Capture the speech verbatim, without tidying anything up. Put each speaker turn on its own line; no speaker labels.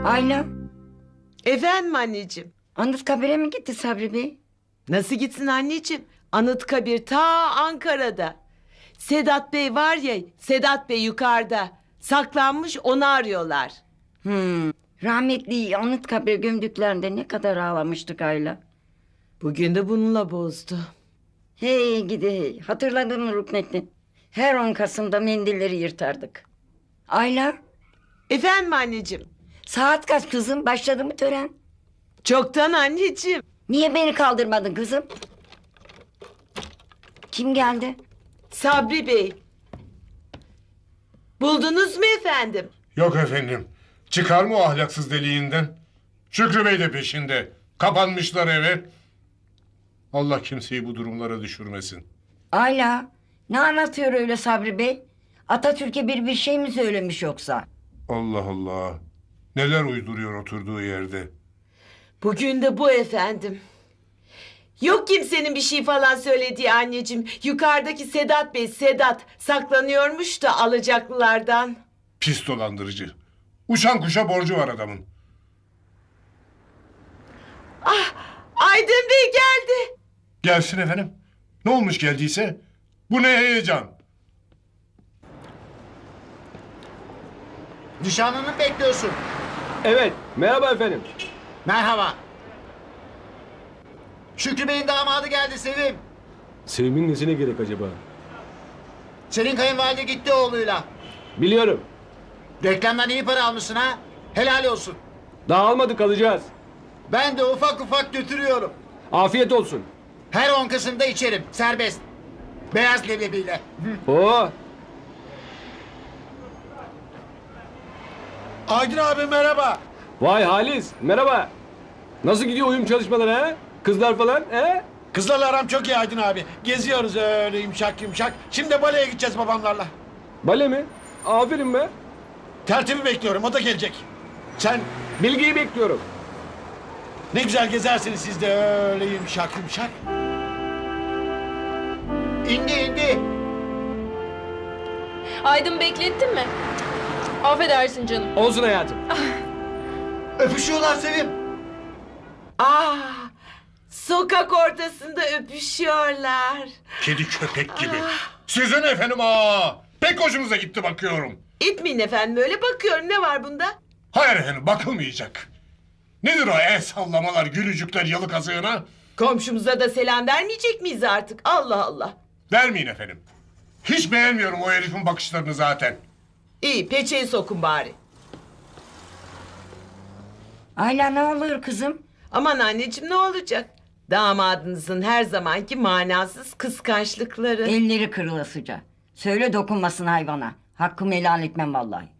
Ayla,
Efendim anneciğim.
Anıtkabir'e mi gitti Sabri Bey?
Nasıl gitsin anneciğim? Anıtkabir ta Ankara'da. Sedat Bey var ya, Sedat Bey yukarıda. Saklanmış, onu arıyorlar.
Hmm. Rahmetli Anıtkabir'e gömdüklerinde ne kadar ağlamıştık Ayla.
Bugün de bununla bozdu.
Hey gidi hey. Hatırladın mı Ruknettin? Her on Kasım'da mendilleri yırtardık. Ayla,
Efendim anneciğim.
saat kaç kızım? Başladı mı tören?
Çoktan anneciğim.
Niye beni kaldırmadın kızım? Kim geldi?
Sabri Bey. Buldunuz mu efendim?
Yok efendim. Çıkar mı o ahlaksız deliğinden? Şükrü Bey de peşinde. Kapanmışlar eve. Allah kimseyi bu durumlara düşürmesin.
Ayla, ne anlatıyor öyle Sabri Bey? Atatürk'e bir bir şey mi söylemiş yoksa?
Allah Allah. Neler uyduruyor oturduğu yerde.
Bugün de bu efendim. Yok kimsenin bir şey falan söylediği anneciğim. Yukarıdaki Sedat Bey, Sedat saklanıyormuş da alacaklılardan.
Pis dolandırıcı. Uçan kuşa borcu var adamın.
Aydın Bey geldi.
Gelsin efendim. Ne olmuş geldiyse? Bu ne heyecan?
Nişanlını mı bekliyorsun?
Evet, merhaba efendim.
Merhaba. Şükrü Bey'in damadı geldi Sevim.
Sevim'in nesine gerek acaba?
Senin kayınvalide gitti oğluyla.
Biliyorum.
Reklamdan iyi para almışsın ha. Helal olsun.
Daha almadık, alacağız.
Ben de ufak ufak götürüyorum.
Afiyet olsun.
Her on Kasım'da içerim. Serbest. Beyaz leblebiyle.
Oo,
Aydın abi merhaba.
vay Halis, merhaba. Nasıl gidiyor uyum çalışmaları ha? Kızlar falan he?
Kızlarla aram çok iyi Aydın abi. Geziyoruz öyle yumuşak yumuşak. Şimdi de baleye gideceğiz babamlarla.
Bale mi? Aferin be.
Tertibi bekliyorum, o da gelecek. Sen
Bilgiyi bekliyorum.
ne güzel gezersiniz siz de öyle yumuşak yumuşak.
İndi indi.
Aydın beklettin mi? Affedersin canım.
Olsun hayatım.
Öpüşüyorlar Sevim.
Aa, sokak ortasında öpüşüyorlar.
Kedi köpek gibi. Sizin efendim aa. Pek hoşunuza gitti bakıyorum.
İtmeyin efendim öyle bakıyorum ne var bunda?
Hayır efendim bakılmayacak. Nedir o el sallamalar, gülücükler yalı kazığına?
Komşumuza da selam vermeyecek miyiz artık? Allah Allah.
Vermeyin efendim. Hiç beğenmiyorum o herifin bakışlarını zaten.
İyi peçeyi sokun bari.
Ayla ne olur kızım?
Aman anneciğim ne olacak? Damadınızın her zamanki manasız kıskançlıkları.
Elleri kırılasıca. Söyle dokunmasın hayvana. Hakkımı helal etmem vallahi.